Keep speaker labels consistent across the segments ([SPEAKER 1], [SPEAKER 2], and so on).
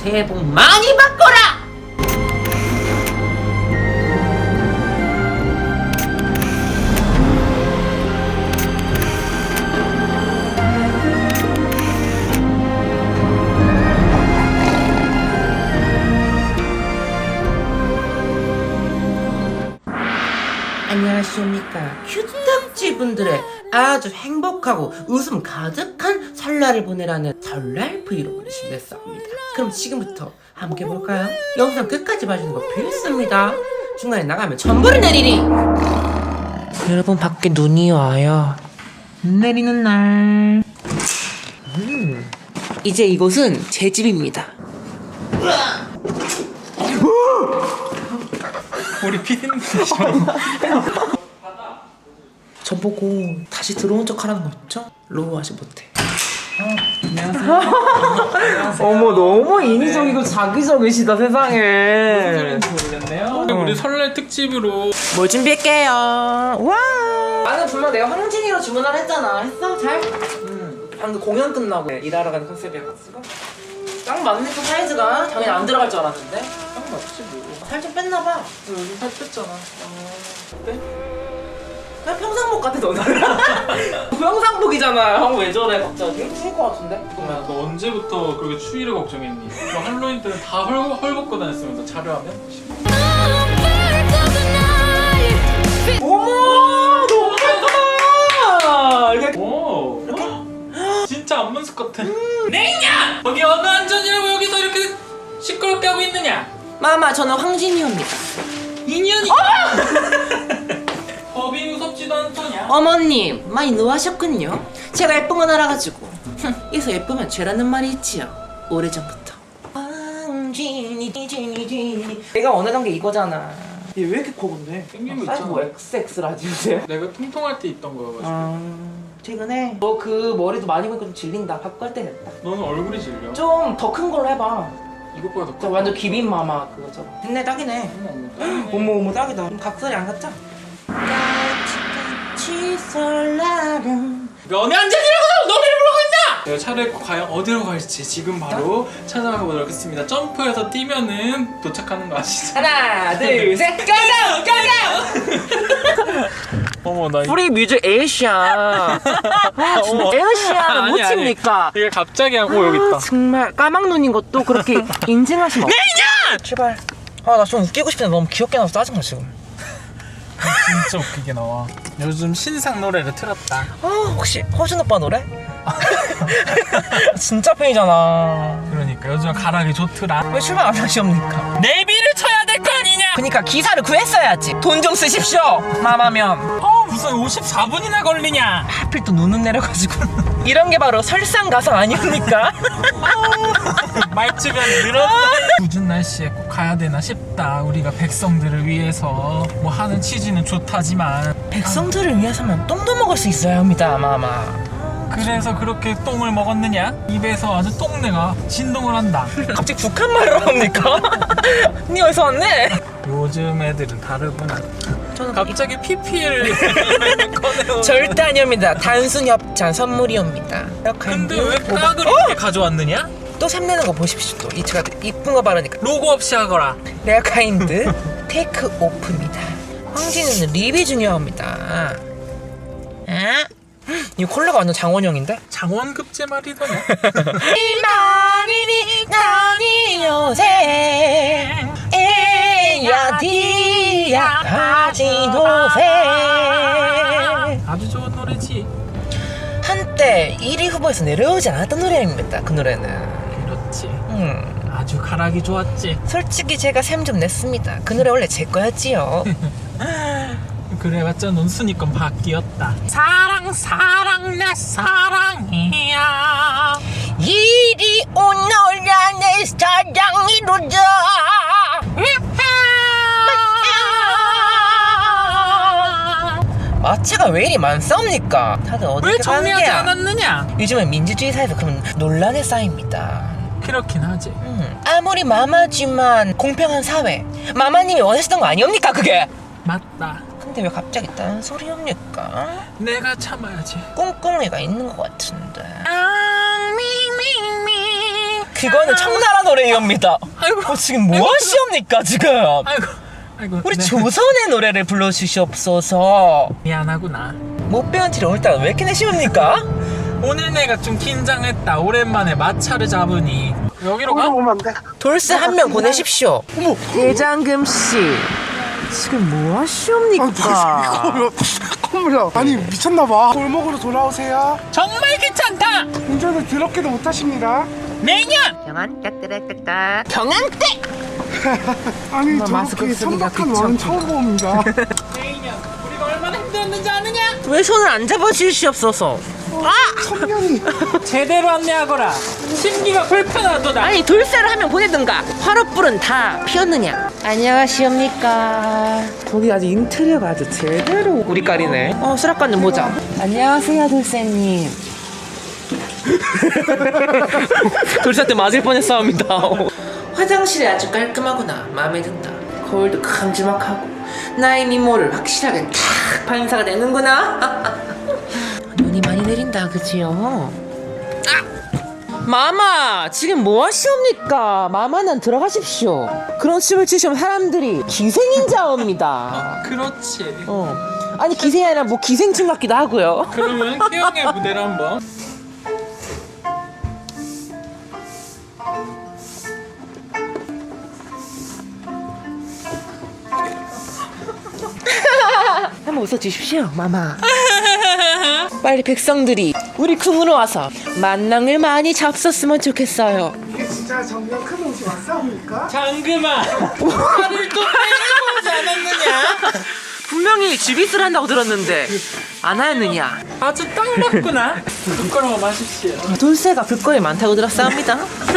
[SPEAKER 1] 새해 복 많이 받거라! 안녕하십니까. 큐딱지분들의 아주 행복하고 웃음 가득한 설날을 보내라는 설날 브이로그를 준비했습니다. 그럼 지금부터 함께 볼까요? 영상 끝까지 봐주는 거 필수입니다. 중간에 나가면 전부를 내리니. 여러분, 밖에 눈이 와요. 내리는 날. 이제 이곳은 제 집입니다.
[SPEAKER 2] 우리 피디님이죠.
[SPEAKER 1] 저보고 다시 들어온 척 하라는 거 있죠? 로우 하지 못해.
[SPEAKER 2] 안녕하세요.
[SPEAKER 3] 어머, 너무 인위적이고 자기적이시다 세상에.
[SPEAKER 2] 모르겠네요. 우리 설날 특집으로
[SPEAKER 1] 뭘 준비할게요. 와. 나는 분명 내가 황진이로 주문을 했잖아. 했어? 잘? 방금 공연 끝나고 일하러 가는 컨셉이어가지고 딱 맞네. 또 사이즈가 당연히 안 들어갈 줄 알았는데
[SPEAKER 2] 딱 맞지 뭐.
[SPEAKER 1] 살 좀 뺐나봐.
[SPEAKER 2] 요즘 살 뺐잖아.
[SPEAKER 1] 어때? 그냥 평상복 같아 너는. 평상복이잖아. 형 왜 저래 갑자기? 추울 것 같은데?
[SPEAKER 2] 야, 너 언제부터 그렇게 추위를 걱정했니? 너 할로윈 때는 다 헐벗고 다녔으면서 자료하면?
[SPEAKER 1] 어머, 너무 예쁘다. 이렇게
[SPEAKER 2] 오. 진짜 안문숙 같아. 냉냐! 거기 어느 안전이라고 여기서 이렇게 시끄럽게 하고 있느냐?
[SPEAKER 1] 마마, 저는 황진이입니다.
[SPEAKER 2] 인연이. 법이 무섭지도 않더냐?
[SPEAKER 1] 어머님, 많이 노하셨군요. 제가 예쁜 건 알아가지고. 이서 예쁘면 죄라는 말이 있지요. 오래전부터. 황진이. 내가 원하던 게 이거잖아. 얘 왜 이렇게 커 근데?
[SPEAKER 2] 생긴 거
[SPEAKER 1] 사이즈
[SPEAKER 2] 있잖아.
[SPEAKER 1] 뭐 XX라지 요새?
[SPEAKER 2] 내가 통통할 때 있던 거여가지고.
[SPEAKER 1] 최근에 너 그 머리도 많이 보니까 좀 질린다. 바꿀 때 됐다.
[SPEAKER 2] 너는 얼굴이 질려.
[SPEAKER 1] 좀 더 큰 걸로 해봐.
[SPEAKER 2] 이것보다 더
[SPEAKER 1] 저
[SPEAKER 2] 커.
[SPEAKER 1] 완전 기빈 마마 그거처럼. 됐네, 딱이네. 어머 어머, 딱이다. 그럼 각설이 안 갔자? 같이 설날은
[SPEAKER 2] 너네 안전이라고 노래를 부르고 있나? 내가 차를 입고 과연 어디로 갈지 지금 바로 찾아가 보도록 하겠습니다. 점프해서 뛰면은 도착하는 거 아시죠?
[SPEAKER 1] 하나 둘셋 가자 가자.
[SPEAKER 2] 어머 나
[SPEAKER 1] 프리 뮤직 에이시아. 에이시아는 못
[SPEAKER 2] 아니, 아니.
[SPEAKER 1] 칩니까?
[SPEAKER 2] 이게 갑자기 오 여기 있다.
[SPEAKER 1] 정말 까막 눈인 것도 그렇게 인증하시면 내냐! 제발. 아, 나 좀 웃기고 싶은데 너무 귀엽게 나와서 짜증나 지금.
[SPEAKER 2] 진짜 웃기게 나와. 요즘 신상 노래를 틀었다.
[SPEAKER 1] 아, 혹시 허준 오빠 노래? 진짜 팬이잖아.
[SPEAKER 2] 그러니까 요즘 가락이 좋더라.
[SPEAKER 1] 왜 출발 안 하시옵니까?
[SPEAKER 2] 내비를 쳐야 될 거 아니냐?
[SPEAKER 1] 그니까 기사를 구했어야지. 돈 좀 쓰십시오. 마마면.
[SPEAKER 2] 무슨 54분이나 걸리냐?
[SPEAKER 1] 하필 또 눈은 내려가지고. 이런 게 바로 설상가상 아닙니까?
[SPEAKER 2] 말주변 늘었다. 굳은 날씨에 꼭 가야 되나 싶다. 우리가 백성들을 위해서 뭐 하는 취지는 좋다지만
[SPEAKER 1] 백성들을 위해서면 똥도 먹을 수 있어야 합니다, 마마.
[SPEAKER 2] 그래서 그렇게 똥을 먹었느냐? 입에서 아주 똥내가 진동을 한다.
[SPEAKER 1] 갑자기 북한 말을 합니까? 니 어디서 왔네?
[SPEAKER 2] 요즘 애들은 다르구나.
[SPEAKER 1] 저는
[SPEAKER 2] 갑자기 PPL 꺼내오.
[SPEAKER 1] 절대 아닙니다. 단순 협찬 선물이옵니다.
[SPEAKER 2] 근데 왜 깍을 이렇게 가져왔느냐?
[SPEAKER 1] 또 샘내는 거 보십시오. 또 이 제가 이쁜 거 바르니까.
[SPEAKER 2] 로고 없이 하거라.
[SPEAKER 1] 레어카인드 테이크 오프입니다. 황진이는 립이 중요합니다. 아? 이 콜라가 완전 장원영인데?
[SPEAKER 2] 장원급제 말이더냐?
[SPEAKER 1] 이만이니 나니 요새 에야 디야 하지도세.
[SPEAKER 2] 아주 좋은 노래지.
[SPEAKER 1] 한때 1위 후보에서 내려오지 않았던 노래입니다. 그 노래는.
[SPEAKER 2] 그렇지. 아주 가락이 좋았지.
[SPEAKER 1] 솔직히 제가 샘 좀 냈습니다. 그 노래 원래 제 거였지요.
[SPEAKER 2] 그래봤자 넌 순위권 바뀌었다. 사랑 사랑 내 사랑이야.
[SPEAKER 1] 이리 오너라 내 사랑이로다. 마취가 왜 이리 많습니까? 다들 어디
[SPEAKER 2] 왜
[SPEAKER 1] 가는
[SPEAKER 2] 정리하지
[SPEAKER 1] 게야?
[SPEAKER 2] 않았느냐?
[SPEAKER 1] 요즘은 민주주의 사회에서 그런 논란에 쌓입니다.
[SPEAKER 2] 그렇긴 하지.
[SPEAKER 1] 아무리 마마지만 공평한 사회. 마마님이 원하시던 거 아니옵니까 그게?
[SPEAKER 2] 맞다.
[SPEAKER 1] 근데 왜 갑자기 딴 소리옵니까?
[SPEAKER 2] 내가 참아야지.
[SPEAKER 1] 꿍꿍이가 있는 것 같은데.
[SPEAKER 3] 그거는 청나라 노래입니다.
[SPEAKER 2] 아이고.
[SPEAKER 3] 지금 뭐 하시옵니까 지금?
[SPEAKER 2] 아이고.
[SPEAKER 3] 우리
[SPEAKER 2] 네.
[SPEAKER 3] 조선의 노래를 불러주시옵소서.
[SPEAKER 2] 미안하구나.
[SPEAKER 3] 못 배운 티를 오늘따라 왜 이렇게 내시옵니까?
[SPEAKER 2] 오늘 내가 좀 긴장했다. 오랜만에 마차를 잡으니. 여기로 가?
[SPEAKER 4] 오면 안 돼.
[SPEAKER 3] 돌쇠 한 명 보내십시오.
[SPEAKER 4] 어머.
[SPEAKER 3] 대장금 씨, 지금 뭐 하시옵니까?
[SPEAKER 4] 콧물이야. 아니 미쳤나봐. 골목으로 돌아오세요.
[SPEAKER 2] 정말 귀찮다.
[SPEAKER 4] 운전을 더럽게도 못하십니다.
[SPEAKER 2] 매년.
[SPEAKER 3] 경항대.
[SPEAKER 4] 아니
[SPEAKER 3] 마스크
[SPEAKER 4] 저렇게
[SPEAKER 3] 쓰기가
[SPEAKER 4] 천박한 왕은
[SPEAKER 3] 귀찮구나.
[SPEAKER 4] 처음 봅니다.
[SPEAKER 2] 매년. 우리가 얼마나 힘들었는지 아느냐?
[SPEAKER 3] 왜 손을 안 잡아주시옵소서?
[SPEAKER 4] 천년이.
[SPEAKER 2] 제대로 안내하거라. 심기가 불편하도다.
[SPEAKER 3] 아니 돌쇠를 한 명 보내든가. 화롯불은 다 피었느냐? 안녕하시옵니까. 거기 아주 인테리어가 아주 제대로 우리 깔이네. 수락관 좀 보자. 안녕하세요 돌쇠님. 돌쇠한테 맞을 뻔했사옵니다. 화장실이 아주 깔끔하구나. 마음에 든다. 거울도 큼지막하고 나의 미모를 확실하게 탁 반사가 되는구나. 눈이 많이 내린다 그지요? 마마 지금 뭐 하시옵니까? 마마는 들어가십시오. 그런 춤을 추시면 사람들이 기생인자옵니다.
[SPEAKER 2] 그렇지.
[SPEAKER 3] 아니 기생이 아니라 뭐 기생충 같기도 하고요.
[SPEAKER 2] 그러면 태영의 무대를 한번.
[SPEAKER 3] 한번 웃어주십시오 마마. 빨리 백성들이 우리 궁으로 와서 만낭을 많이 잡섰으면 좋겠어요.
[SPEAKER 4] 이게 진짜 정말 큰 옷이 왔사옵니까?
[SPEAKER 2] 장금아. 팔을 또 빼고 오지 않았느냐?
[SPEAKER 3] 분명히 주비스를 한다고 들었는데 안 하였느냐?
[SPEAKER 2] 아주 딱 맞구나. 부끄러워 마십시오.
[SPEAKER 3] 돌쇠가 볼거리 많다고 들었사옵니다.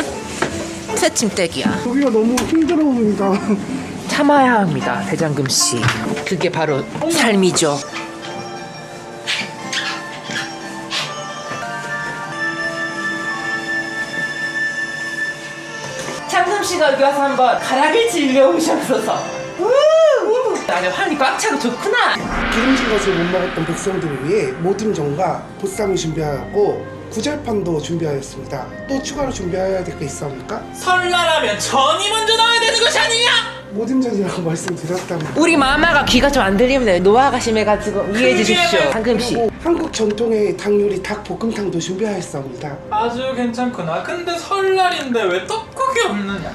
[SPEAKER 3] 새침대기야.
[SPEAKER 4] 여기가 너무 힘들어옵니다.
[SPEAKER 3] 참아야 합니다 대장금씨. 그게 바로 삶이죠. 장금씨가 여기 와서 한번 가락을 즐겨오셨어서. 아주 환이 꽉 차고 좋구나.
[SPEAKER 4] 기름진 것을 못 먹었던 백성들을 위해 모듬전과 보쌈을 준비하였고 구절판도 준비하였습니다. 또 추가로 준비해야 될 게 있사옵니까?
[SPEAKER 2] 설날하면 전이 먼저 나와야 되는 것이 아니냐?
[SPEAKER 4] 모듬전이라고 말씀드렸답니다.
[SPEAKER 3] 우리 마마가 귀가 좀 안 들리면 노화가 심해가지고 이해해 주십시오. 장금씨.
[SPEAKER 4] 그리고 한국 전통의 닭 요리 닭볶음탕도 준비하였사옵니다.
[SPEAKER 2] 아주 괜찮구나. 근데 설날인데 왜 떡국이 없느냐?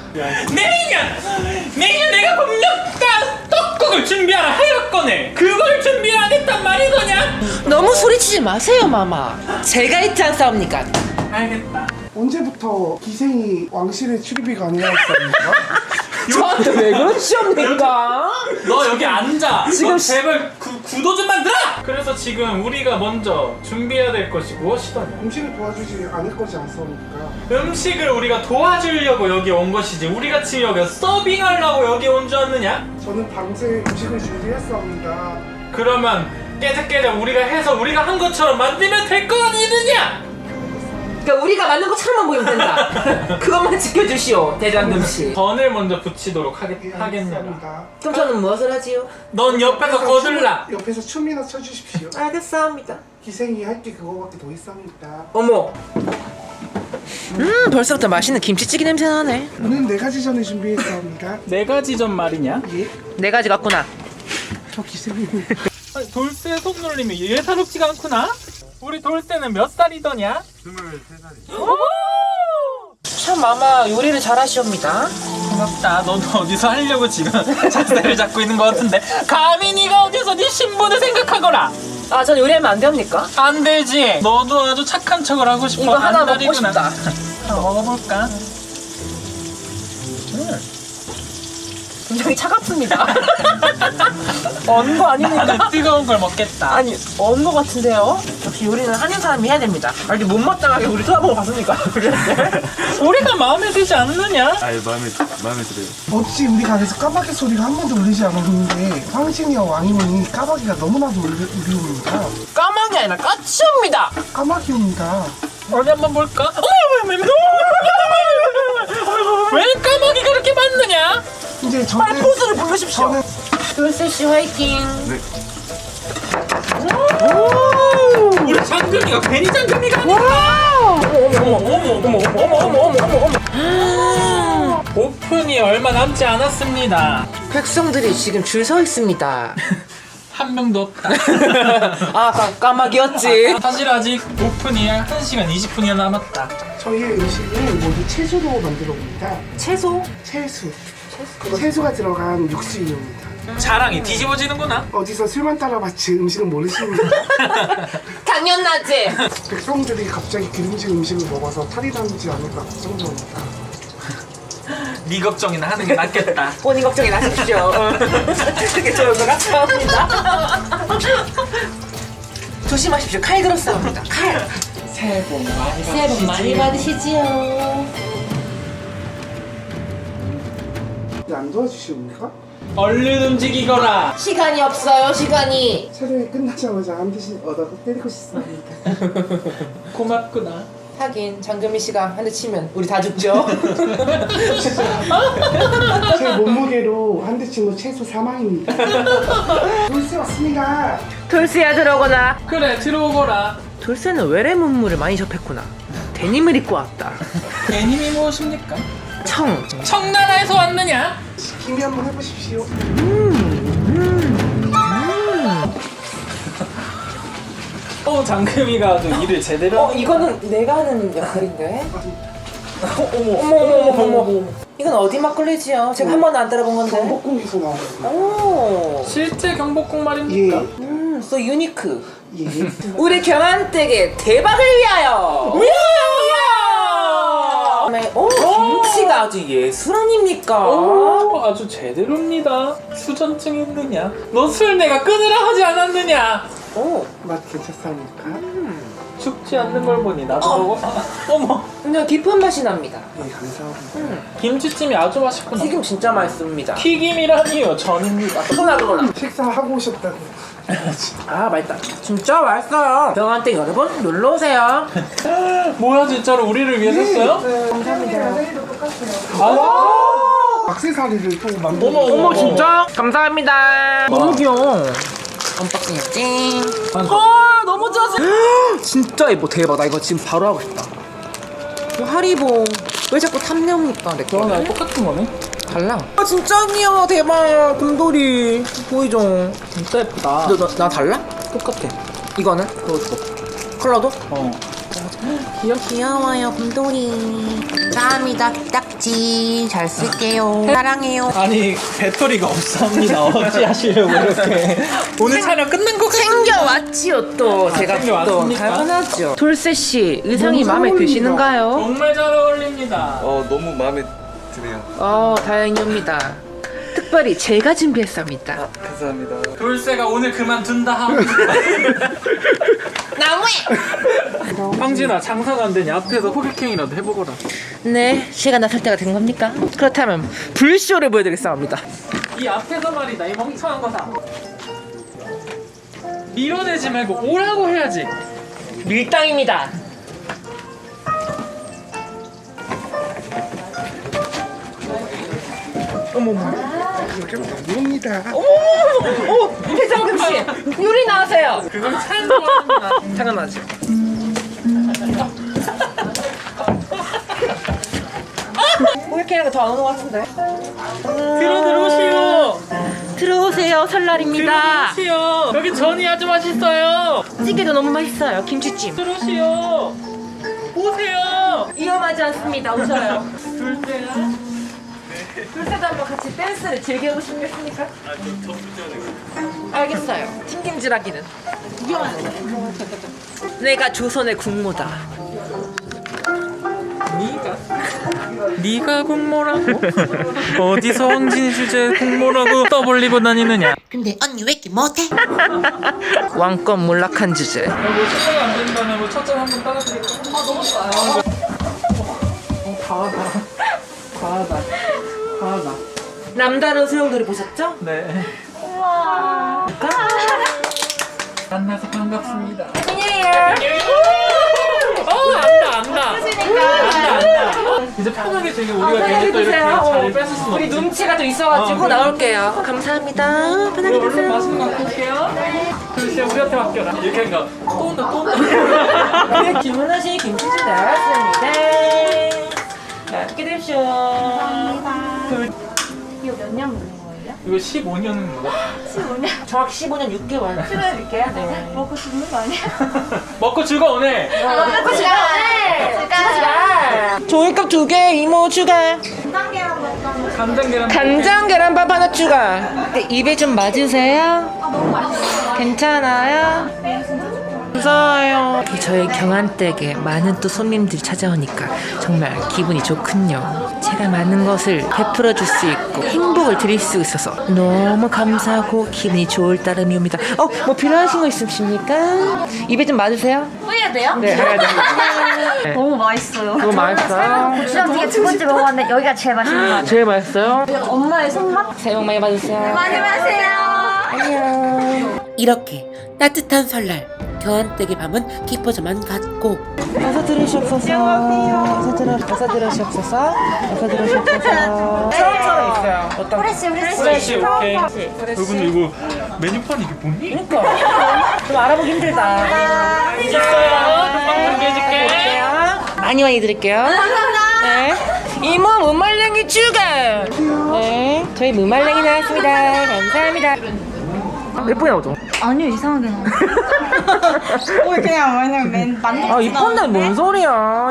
[SPEAKER 2] 내년 내가 분명 떡국을 준비하라 하였거늘. 그걸 준비 안 했단 말이더냐?
[SPEAKER 3] 너무 소리치지 마세요 마마. 제가 있지 않사옵니까?
[SPEAKER 2] 알겠다.
[SPEAKER 4] 언제부터 기생이 왕실에 출입이 가능하였습니까?
[SPEAKER 3] 저한테 왜 그러시옵니까?
[SPEAKER 2] 너 여기 앉아.
[SPEAKER 3] 지금
[SPEAKER 2] 너 제발 구도 좀 만들어. 그래서 지금 우리가 먼저 준비해야 될 것이 무엇이더냐?
[SPEAKER 4] 음식을 도와주지 않을 거지 않습니까?
[SPEAKER 2] 음식을 우리가 도와주려고 여기 온 것이지. 우리가 지금 여기 서빙하려고 여기 온 줄 아느냐?
[SPEAKER 4] 저는 밤새 음식을 준비했습니다.
[SPEAKER 2] 그러면 깨작깨작 우리가 해서 우리가 한 것처럼 만들면 될 거 아니느냐?
[SPEAKER 3] 그러니까 우리가 맞는 것처럼만 보이면 된다. 그것만 지켜주시오 대장금씨.
[SPEAKER 2] 전을 먼저 붙이도록 하겠느냐?
[SPEAKER 4] 알겠습니다.
[SPEAKER 3] 그럼 저는 무엇을 하지요?
[SPEAKER 2] 넌 옆에서 거들라.
[SPEAKER 4] 옆에서 춤이나 춰주십시오.
[SPEAKER 3] 알겠사옵니다.
[SPEAKER 4] 기생이 할 게 그거밖에 더 있습니다.
[SPEAKER 3] 어머. 벌써부터 맛있는 김치찌개 냄새 나네.
[SPEAKER 4] 오늘 4가지 전을 준비했습니다.
[SPEAKER 2] 네 가지 전 말이냐?
[SPEAKER 4] 예?
[SPEAKER 3] 네 가지 같구나.
[SPEAKER 4] 저 기생이
[SPEAKER 2] 돌쇠 손놀림이 예사롭지가 않구나? 우리 돌쇠는 몇 살이더냐?
[SPEAKER 5] 23살이죠.
[SPEAKER 3] 참 마마 요리를 잘하시옵니다.
[SPEAKER 2] 고맙다. 넌 어디서 하려고 지금 자세를 잡고 있는 것 같은데 감히 네가 어디서 네 신분을 생각하거라.
[SPEAKER 3] 아, 전 요리하면 안 됩니까?
[SPEAKER 2] 안 되지. 너도 아주 착한 척을 하고 싶어.
[SPEAKER 3] 이거 하나 먹고
[SPEAKER 2] 안달이구나.
[SPEAKER 3] 싶다.
[SPEAKER 2] 하나 먹어볼까?
[SPEAKER 3] 굉장히 차갑습니다. 언 거 아닙니까?
[SPEAKER 2] 나는 뜨거운 걸 먹겠다.
[SPEAKER 3] 아니, 언 거 같은데요? 역시 요리는 한인 사람이 해야 됩니다. 아니, 못마땅하게 우리 쳐다보고 봤습니까?
[SPEAKER 2] 우리가 마음에 들지 않느냐?
[SPEAKER 5] 아예 마음에 들어요.
[SPEAKER 4] 어찌 우리 가게에서 까마귀 소리가 한 번도 울리지 않았는데 황신이와 왕이모니 까마귀가 너무나도 울리옵니다.
[SPEAKER 3] 까망이 아니라 까치옵니다.
[SPEAKER 4] 까마귀입니다.
[SPEAKER 2] 어디 한번 볼까? 왜 까마귀가 그렇게 많느냐?
[SPEAKER 4] 이제
[SPEAKER 3] 빨리
[SPEAKER 4] 저는
[SPEAKER 3] 포스를 부르십시오.
[SPEAKER 4] 저는
[SPEAKER 3] 돌쇠씨 화이팅.
[SPEAKER 5] 네.
[SPEAKER 2] 우리 장금이가 괜히 장금이가 아니야. 오픈이 얼마 남지 않았습니다.
[SPEAKER 3] 백성들이 지금 줄 서 있습니다.
[SPEAKER 2] 한 명도 없다.
[SPEAKER 3] 아, 까마귀였지.
[SPEAKER 2] 사실 아직 오픈이 1시간 20분이나 남았다.
[SPEAKER 4] 저희의 음식은 모두 채소로 만들어 봅니다.
[SPEAKER 3] 채소?
[SPEAKER 4] 채소가 들어간 육수입니다.
[SPEAKER 2] 자랑이 뒤집어지는구나.
[SPEAKER 4] 어디서 술만 따라봤지 음식은 모르십니다.
[SPEAKER 3] 당연하지.
[SPEAKER 4] 백성들이 갑자기 기름진 음식을 먹어서 탈이 나지 않을까 걱정됩니다.
[SPEAKER 2] 네 걱정이나 하는 게 낫겠다.
[SPEAKER 3] 본인 걱정이 나십시오. 그게 좋을 것 같습니다. 조심하십시오. 칼 들었습니다. 칼.
[SPEAKER 2] 새해 복 많이
[SPEAKER 3] 새해 복 많이 받으시지요.
[SPEAKER 4] 안 도와주십니까?
[SPEAKER 2] 얼른 움직이거라.
[SPEAKER 3] 시간이 없어요. 시간이.
[SPEAKER 4] 촬영이 끝나자마자 한 대씩 얻어서 때리고 싶습니다.
[SPEAKER 2] 고맙구나.
[SPEAKER 3] 하긴 장금희 씨가 한 대 치면 우리 다 죽죠.
[SPEAKER 4] 제 몸무게로 한 대 치면 최소 사망입니다. 돌쇠 왔습니다.
[SPEAKER 3] 돌쇠야 들어오거나.
[SPEAKER 2] 그래 들어오거라.
[SPEAKER 3] 돌쇠는 외래 문물을 많이 접했구나. 데님을 입고 왔다.
[SPEAKER 2] 애님이 무엇입니까?
[SPEAKER 3] 청.
[SPEAKER 2] 청나라에서 왔느냐?
[SPEAKER 4] 기미 한번 해보십시오.
[SPEAKER 2] 장금이가 아주 일을 제대로.
[SPEAKER 3] 이거는 내가 하는 역할인데. 어머. 이건 어디 막걸리지요? 제가 한 번도 안 따라본 건데.
[SPEAKER 4] 경복궁에서 나왔습니다.
[SPEAKER 3] 오.
[SPEAKER 2] 실제 경복궁 말입니까?
[SPEAKER 3] so 유니크.
[SPEAKER 4] 예.
[SPEAKER 3] 우리 경한댁의 대박을 위하여. 김치가 아주 예술 아닙니까?
[SPEAKER 2] 아주 제대로입니다. 수전증 있느냐? 너 술 내가 끊으라 하지 않았느냐?
[SPEAKER 4] 맛 괜찮습니까?
[SPEAKER 2] 죽지 않는 걸 보니 나도 먹어. 어머,
[SPEAKER 3] 그냥 깊은 맛이 납니다.
[SPEAKER 4] 네, 감사합니다.
[SPEAKER 2] 김치찜이 아주 맛있구나.
[SPEAKER 3] 튀김 진짜 맛있습니다.
[SPEAKER 2] 튀김이라니요, 전입니다.
[SPEAKER 3] 그거나.
[SPEAKER 4] 식사하고 오셨다고.
[SPEAKER 3] 아 맛있다. 진짜 맛있어요. 경한댁 여러분 놀러 오세요.
[SPEAKER 2] 뭐야, 진짜로 우리를 위해 샀어요?
[SPEAKER 4] 감사합니다. 액세서리를 또 만들어.
[SPEAKER 3] 어머 진짜 감사합니다. 너무 귀여워. 언박싱 했지. 너무 좋았어. 진짜 예뻐. 대박. 나 이거 지금 바로 하고 싶다. 하리보 왜 자꾸 탐내옵니까 내 거?
[SPEAKER 2] 너랑 똑같은 거네?
[SPEAKER 3] 달라. 진짜 귀여워. 대박. 곰돌이 보이죠?
[SPEAKER 2] 진짜 예쁘다.
[SPEAKER 3] 나 달라?
[SPEAKER 2] 똑같아.
[SPEAKER 3] 이거는? 컬러도? 귀여워요 곰돌이. 감사합니다. 딱지 잘 쓸게요. 사랑해요.
[SPEAKER 2] 아니, 배터리가 없습니다. 어찌하시려고 이렇게. 오늘 촬영 끝난 거 같은데.
[SPEAKER 3] 챙겨왔지요 또. 제가 또
[SPEAKER 2] 챙겨왔습니까?
[SPEAKER 3] 당연하죠. 돌쇠씨 의상이
[SPEAKER 4] 너무
[SPEAKER 3] 마음에
[SPEAKER 4] 잘
[SPEAKER 3] 드시는가요?
[SPEAKER 2] 정말 잘 어울립니다.
[SPEAKER 5] 너무 마음에 드네요.
[SPEAKER 3] 다행입니다. 특별히 제가 준비했습니다.
[SPEAKER 5] 감사합니다.
[SPEAKER 2] 돌쇠가 오늘 그만둔다 하고.
[SPEAKER 3] 나무에!
[SPEAKER 2] 황진아, 장사가 안 되니 앞에서 호객행이라도 해보거라.
[SPEAKER 3] 네, 시간 나설 때가 된 겁니까? 그렇다면 불쇼를 보여드리겠습니다.
[SPEAKER 2] 이 앞에서 말이다, 이 멍청한 거다. 밀어내지 말고 오라고 해야지.
[SPEAKER 3] 밀당입니다.
[SPEAKER 4] 이렇게 너무합니다.
[SPEAKER 3] 배정금 씨, 요리 나오세요.
[SPEAKER 2] 그걸 찬성합니다.
[SPEAKER 3] 당연하죠. 이렇게 더안 오는 것 같은데.
[SPEAKER 2] 들어오시오.
[SPEAKER 3] 들어오세요. 설날입니다.
[SPEAKER 2] 들어오시오. 여기 전이 아주 맛있어요.
[SPEAKER 3] 찌개도 너무 맛있어요. 김치찜.
[SPEAKER 2] 들어오시오. 오세요.
[SPEAKER 3] 위험하지 않습니다. 오셔요.
[SPEAKER 2] 둘째야.
[SPEAKER 3] 둘째도 한번 같이 댄스를 즐겨보시겠습니까? 알겠어요. 튕김질하기는 위험하네. 내가 조선의 국모다.
[SPEAKER 2] 네가 국모라고? 어디서 황진이 주제에 국모라고 떠벌리고 다니느냐?
[SPEAKER 1] 근데 언니 왜 이렇게 못해?
[SPEAKER 3] 왕권 몰락한 주제.
[SPEAKER 2] 뭐 첫째가 안 된다면 뭐 첫째 한번 따라드릴까? 너무 싸요. 과하다.
[SPEAKER 3] 남다른 소용돌이 보셨죠?
[SPEAKER 2] 네. 만나서 반갑습니다.
[SPEAKER 3] 안녕히
[SPEAKER 2] 안다. 이제 편하게 되게 우리가 괜히 또 이렇게 자리 뺏을 수는
[SPEAKER 3] 우리
[SPEAKER 2] 없지.
[SPEAKER 3] 눈치가 좀 있어가지고 나올게요. 감사합니다. 편하게
[SPEAKER 2] 얼른
[SPEAKER 3] 드세요.
[SPEAKER 2] 맛있는 거 갖고 올게요. 글쎄 우리한테 맡겨라. 이렇게 하니까 또 온다.
[SPEAKER 3] 네, 주문하신 김치찜 나왔습니다. 맛있게 드십시오.
[SPEAKER 6] 이거 몇 년 먹는 거예요?
[SPEAKER 2] 이거 15년은 뭐야?
[SPEAKER 6] 15년?
[SPEAKER 3] 정확히 15년 6개월 드릴게요. 네.
[SPEAKER 6] 먹고 죽는 거 아니야?
[SPEAKER 2] 먹고 즐거우네.
[SPEAKER 6] 먹고 죽어!
[SPEAKER 3] 종이컵 2개 이모 추가.
[SPEAKER 6] 간장게랑 먹던
[SPEAKER 2] 간장 계란.
[SPEAKER 3] 간장 계란밥 하나 추가. 입에 좀 맞으세요?
[SPEAKER 6] 너무 맛있어요.
[SPEAKER 3] 괜찮아요?
[SPEAKER 6] 네, 진짜 좋아요.
[SPEAKER 3] 무서워요. 저희 경한댁에 많은 또 손님들이 찾아오니까 정말 기분이 좋군요. 제가 많은 것을 베풀어 줄 수 있고 행복을 드릴 수 있어서 너무 감사하고 기분이 좋을 따름이옵니다. 뭐 필요하신 거 있으십니까? 입에 좀 맞으세요?
[SPEAKER 6] 뿌려야 돼요?
[SPEAKER 3] 네, 해야 됩니다. 네.
[SPEAKER 6] 너무 맛있어요.
[SPEAKER 3] 너무 맛있어요.
[SPEAKER 6] 고추장찌개 두 번째 먹어봤는데 여기가 제일 맛있는 것 같아요.
[SPEAKER 3] 제일 맛있어요.
[SPEAKER 6] 엄마의 손맛?
[SPEAKER 3] 새해 복 많이 받으세요.
[SPEAKER 6] 많이 마세요.
[SPEAKER 3] 안녕.
[SPEAKER 1] 이렇게 따뜻한 설날 교환댁의 밤은 깊어져만 갔고
[SPEAKER 3] 어서 들으시옵소서. 어서 들으시옵소서. 어서 들으시옵소서. 처음처럼 있어요. 어떤?
[SPEAKER 6] 프레쉬.
[SPEAKER 2] 프레시 오케이. 근데 이거 메뉴판 이게 뭐니?
[SPEAKER 3] 그러니까 좀 알아보기 힘들다.
[SPEAKER 2] 있어요. 금방 준비해줄게.
[SPEAKER 3] 많이 드릴게요. 네. 이모 무말랭이 추가. 네. 저희 무말랭이 나왔습니다. 감사합니다. 예쁘게 나오죠?
[SPEAKER 6] 아니요, 이상하게 나와요. 그냥 왜냐면 만족.
[SPEAKER 3] 아 이쁜데 뭔 소리야?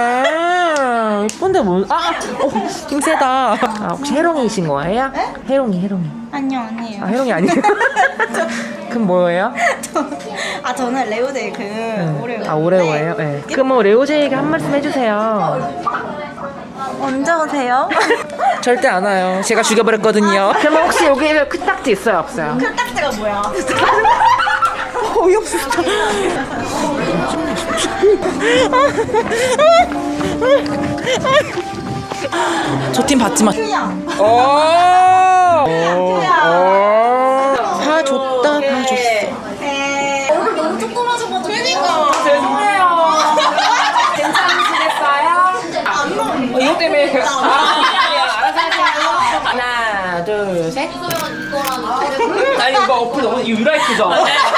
[SPEAKER 3] 이쁜데 뭔? 힘세다. 혹시 해롱이신 거예요? 해롱이.
[SPEAKER 6] 아니요, 아니에요.
[SPEAKER 3] 해롱이 아니에요? 그럼 뭐예요?
[SPEAKER 6] 저는 레오데이 오레오.
[SPEAKER 3] 오레오예요? 네. 그럼 뭐 레오제이에게 한 말씀 해주세요.
[SPEAKER 6] 언제 오세요?
[SPEAKER 3] 절대 안 와요. 제가 죽여버렸거든요. 그럼 혹시 여기에 코딱지 있어요, 없어요?
[SPEAKER 6] 딱지가 뭐야?
[SPEAKER 3] 어이없어. 저 팀 받지 마. 다 줬다, 다 줬어.
[SPEAKER 6] 얼굴 너무 조그마져가지고. 그러니까.
[SPEAKER 3] 죄송해요. 괜찮으시겠어요? 이거 때문에. 알아서 하세요. 하나, 둘, 셋. 아니, 이거 어플 너무 유라이트죠?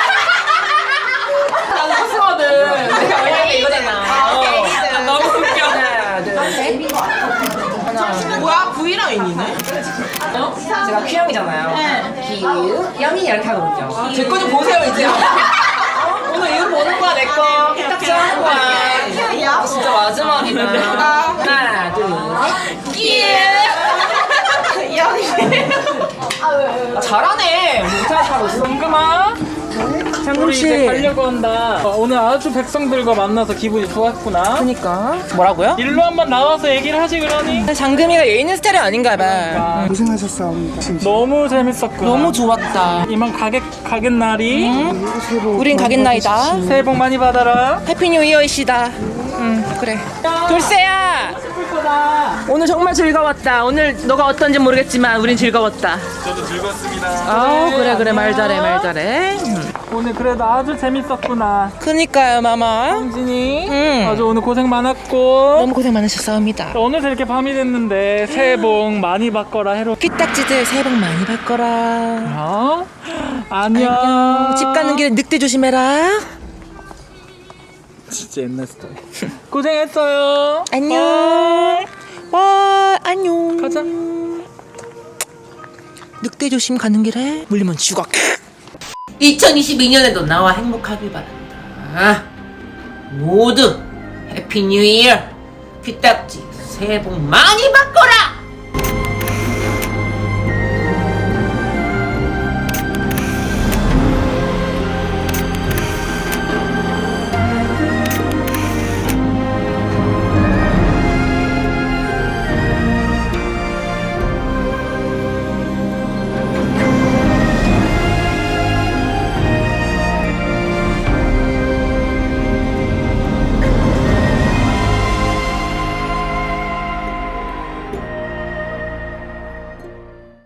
[SPEAKER 3] 나도 코스거든. 내가 왜냐면 이거잖아. 너무 웃겨. 하나, 둘, 셋. 뭐야? V라인이네? 제가 Q형이잖아요. Q, 영이 이렇게 하거든요. 제 거 좀 보세요, 이제. 오늘 이거 보는 거야, 내 거. 딱지 하는 거야. 진짜 마지막이다. 하나, 둘, 셋. 잘하네. 못하는 사람 있어.
[SPEAKER 2] 잠깐만. 우리 이제 가려고 한다. 오늘 아주 백성들과 만나서 기분이 좋았구나.
[SPEAKER 3] 그니까. 뭐라고요?
[SPEAKER 2] 일로 한번 나와서 얘기를 하지 그러니.
[SPEAKER 3] 장금이가 얘 있는 스타일이 아닌가 봐.
[SPEAKER 4] 고생하셨사옵니다. 진짜.
[SPEAKER 2] 너무 재밌었구나.
[SPEAKER 3] 너무 좋았다.
[SPEAKER 2] 이만 가겠 날이.
[SPEAKER 3] 우린 가겠나이다.
[SPEAKER 2] 새해 복 많이 받아라.
[SPEAKER 3] 해피 뉴 이어이시다. 그래. 돌쇠야! 오늘 정말 즐거웠다. 오늘 너가 어떤지 모르겠지만 우린 즐거웠다.
[SPEAKER 5] 저도 즐거웠습니다.
[SPEAKER 3] 아우 그래 말 잘해.
[SPEAKER 2] 오늘 그래도 아주 재밌었구나.
[SPEAKER 3] 그니까요 마마.
[SPEAKER 2] 홍진이 아주 오늘 고생 많았고.
[SPEAKER 3] 너무 고생 많으셨사옵니다.
[SPEAKER 2] 오늘 이렇게 밤이 됐는데 새해 복 많이 받거라 해로.
[SPEAKER 3] 퀴딱지들 새해 복 많이 받거라.
[SPEAKER 2] 어? 안녕.
[SPEAKER 3] 집 가는 길에 늑대 조심해라.
[SPEAKER 2] 진짜 옛날 스타일. 고생했어요.
[SPEAKER 3] 안녕. 와 안녕.
[SPEAKER 2] 가자.
[SPEAKER 3] 늑대 조심 가는 길에 물리면 죽어.
[SPEAKER 1] 2022년에도 나와 행복하길 바란다. 모두 해피 뉴 이어. 귀딱지 새해 복 많이 받거라.